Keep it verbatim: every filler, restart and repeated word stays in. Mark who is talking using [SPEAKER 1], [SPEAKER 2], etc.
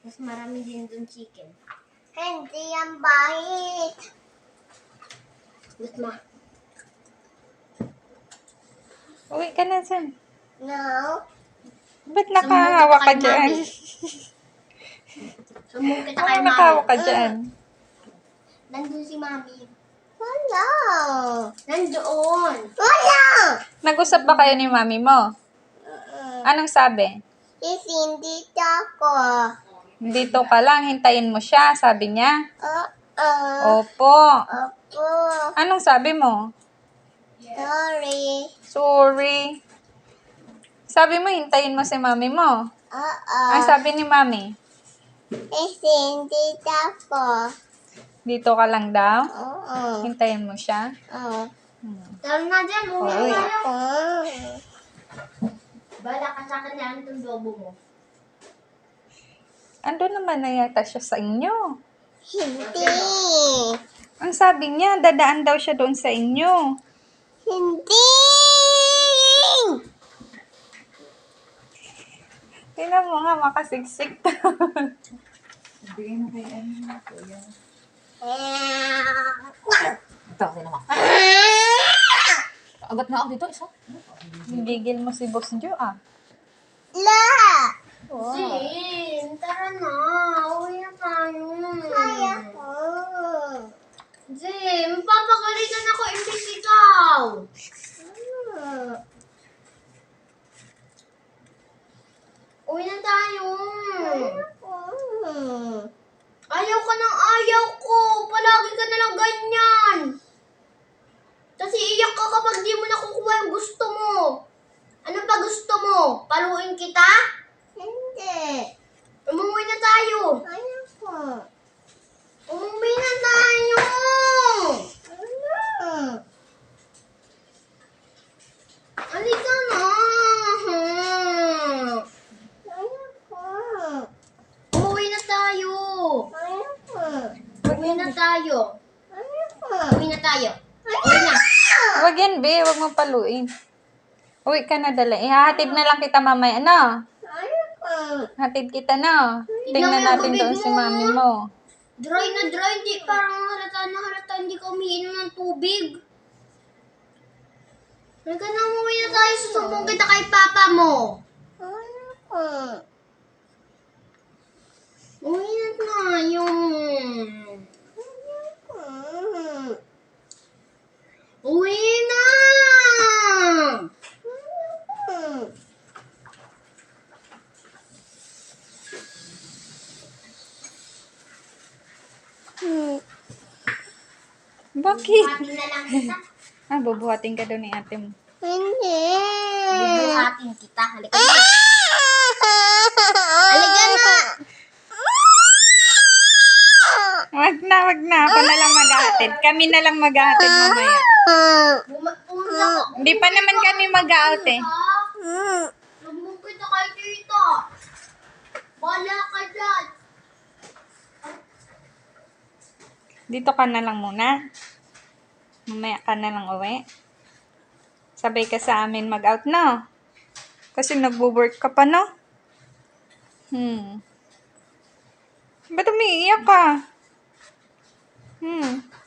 [SPEAKER 1] Mas marami din dun chicken.
[SPEAKER 2] Hindi yan bait.
[SPEAKER 1] But ma,
[SPEAKER 3] Uwi ka na, Sam.
[SPEAKER 2] No.
[SPEAKER 3] Ba't nakahawa ka
[SPEAKER 1] kay
[SPEAKER 3] dyan?
[SPEAKER 1] Mami. Sumbong kita
[SPEAKER 3] Ano
[SPEAKER 1] kay
[SPEAKER 3] nakahawa
[SPEAKER 1] Mami.
[SPEAKER 3] ka dyan?
[SPEAKER 1] Nandun si Mami.
[SPEAKER 2] Wala.
[SPEAKER 1] Nandoon.
[SPEAKER 2] Wala.
[SPEAKER 3] Nag-usap ba kayo ni mami mo? Anong sabi?
[SPEAKER 2] Hindi ako.
[SPEAKER 3] Dito ka lang, hintayin mo siya, sabi niya.
[SPEAKER 2] Oo.
[SPEAKER 3] Opo.
[SPEAKER 2] Opo.
[SPEAKER 3] Anong sabi mo?
[SPEAKER 2] Sorry.
[SPEAKER 3] Sorry. Sabi mo, hintayin mo si mami mo.
[SPEAKER 2] Oo.
[SPEAKER 3] Ang sabi ni mami?
[SPEAKER 2] Hindi ako.
[SPEAKER 3] Dito ka lang daw?
[SPEAKER 2] Oo.
[SPEAKER 3] Hintayin mo siya?
[SPEAKER 2] Oo.
[SPEAKER 3] Hmm.
[SPEAKER 1] Tara na dyan. Uwi
[SPEAKER 3] Uwi.
[SPEAKER 1] na tayo.
[SPEAKER 2] Oo.
[SPEAKER 1] Bala ka sa akin yan itong lobo mo.
[SPEAKER 3] Ando naman na yata siya sa inyo.
[SPEAKER 2] Hindi.
[SPEAKER 3] Ang sabi niya, dadaan daw siya doon sa inyo.
[SPEAKER 2] Hindi.
[SPEAKER 3] Tingnan mo nga, makasiksik.
[SPEAKER 4] Bigay mo kay ano, kuya.
[SPEAKER 2] Ah.
[SPEAKER 4] Ito, kasi naman. Agat nga ako dito, isa.
[SPEAKER 3] Gigil mo si Boss Jo, ah.
[SPEAKER 2] La.
[SPEAKER 1] Zin, tara na. Uwi na tayo.
[SPEAKER 2] Kaya ko.
[SPEAKER 1] Zin, papagalitan ako imbis ikaw.
[SPEAKER 2] Hmm.
[SPEAKER 1] Uwi na tayo.
[SPEAKER 2] Hmm.
[SPEAKER 1] Ayaw ka ng ayaw ko. Palagi ka na lang ganyan. Kasi iyak ka kapag di mo nakukuha yung gusto mo. Ano pa gusto mo? Paluin kita?
[SPEAKER 2] Hindi.
[SPEAKER 1] Umuwi na tayo.
[SPEAKER 2] Kaya ko.
[SPEAKER 1] Umuwi na tayo.
[SPEAKER 2] Hmm.
[SPEAKER 1] Halika na.
[SPEAKER 2] Kaya ko.
[SPEAKER 1] Umuwi na tayo.
[SPEAKER 2] Kaya ko.
[SPEAKER 1] Uwi na tayo.
[SPEAKER 2] Kaya ko.
[SPEAKER 1] Uwi na tayo. Uwi na.
[SPEAKER 3] Wag yan, be. Wag mo paluin. Uwi ka na dala. Ihahatid na lang kita mamaya, no?
[SPEAKER 2] Kaya ko.
[SPEAKER 3] Hatid kita, no? Tingnan
[SPEAKER 1] Tignan mo yung
[SPEAKER 3] natin
[SPEAKER 1] bibig
[SPEAKER 3] doon si
[SPEAKER 1] mo.
[SPEAKER 3] mami mo.
[SPEAKER 1] Dry na dry. Hindi parang halata na halata. Hindi ka umiinom ng tubig. Halika na, umuwi na tayo. Susumbong kita kay papa mo.
[SPEAKER 2] Kaya ko.
[SPEAKER 1] Uwi na tayo.
[SPEAKER 2] Hmm.
[SPEAKER 1] Uwi na.
[SPEAKER 2] Hmm. Hmm.
[SPEAKER 3] Bakit?
[SPEAKER 1] Buhatin na lang kita.
[SPEAKER 3] Ah, bubuhatin ka doon ni ate mo.
[SPEAKER 2] Hindi.
[SPEAKER 1] Bubuhatin kita. Halika na. Halika na.
[SPEAKER 3] Wag na, wag na. Ako na lang maghahatid. Kami na lang maghahatid mamaya.
[SPEAKER 1] Buma- Pumunta ko.
[SPEAKER 3] Hindi pa naman kami mag-out eh.
[SPEAKER 2] Hmm.
[SPEAKER 1] Sumbong kita kay tita. Bala ka dyan.
[SPEAKER 3] Dito ka na lang muna. Mamaya ka na lang uwi. Sabay ka sa amin mag-out, no? Kasi nagwo-work ka pa, no? Hmm. Ba't umiiyak ka? Hmm.